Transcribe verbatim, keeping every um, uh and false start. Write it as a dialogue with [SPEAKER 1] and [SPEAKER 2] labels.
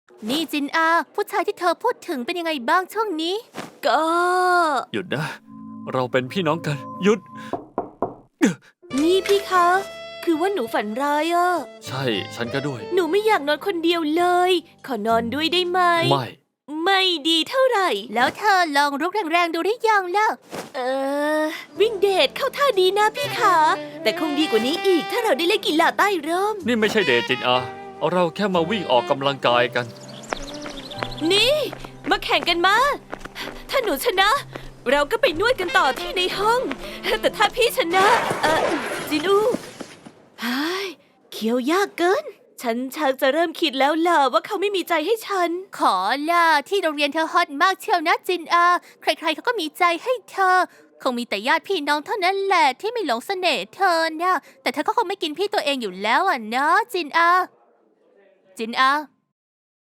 [SPEAKER 1] นี่จินอาผู้ชายที่เธอพูดถึงเป็นยังไงบ้างช่วงนี้ก็
[SPEAKER 2] หยุดนะ เราเป็นพี่น้องกัน หยุด
[SPEAKER 1] นี่พี่คะคือว่าหนูฝันร้ายอะ
[SPEAKER 2] ใช่ ฉันก็ด้วย
[SPEAKER 1] หนูไม่อยากนอนคนเดียวเลย ขอนอนด้วยได้ไหม
[SPEAKER 2] ไม่
[SPEAKER 1] ไม่ดีเท่าไหร่ แล้วเธอลองรุกแรงๆดูได้ยังล่ะ เออ วิ่งเดทเข้าท่าดีนะพี่ขาแต่คงดีกว่านี้อีกถ้าเราได้เล่นกีฬาใต้ร่ม
[SPEAKER 2] นี่ไม่ใช่เดทจินอา เราแค่มาวิ่งออกกำลังกายกัน
[SPEAKER 1] นี่ มาแข่งกันมา ถ้าหนูชนะ เราก็ไปนวดกันต่อที่ในห้อง แต่ถ้าพี่ชนะ เออจินูเฮ้ยเคี้ยวยากเกิน ฉันชักจะเริ่มคิดแล้วล่ะว่าเขาไม่มีใจให้ฉัน ขอล่ะที่โรงเรียนเธอฮอตมากเชียวนะจินอา ใครๆเขาก็มีใจให้เธอ คงมีแต่ญาติพี่น้องเท่านั้นแหละที่ไม่หลงเสน่ห์เธอนะแต่เธอก็คงไม่กินพี่ตัวเองอยู่แล้วอ่ะเนาะจินอา จินอา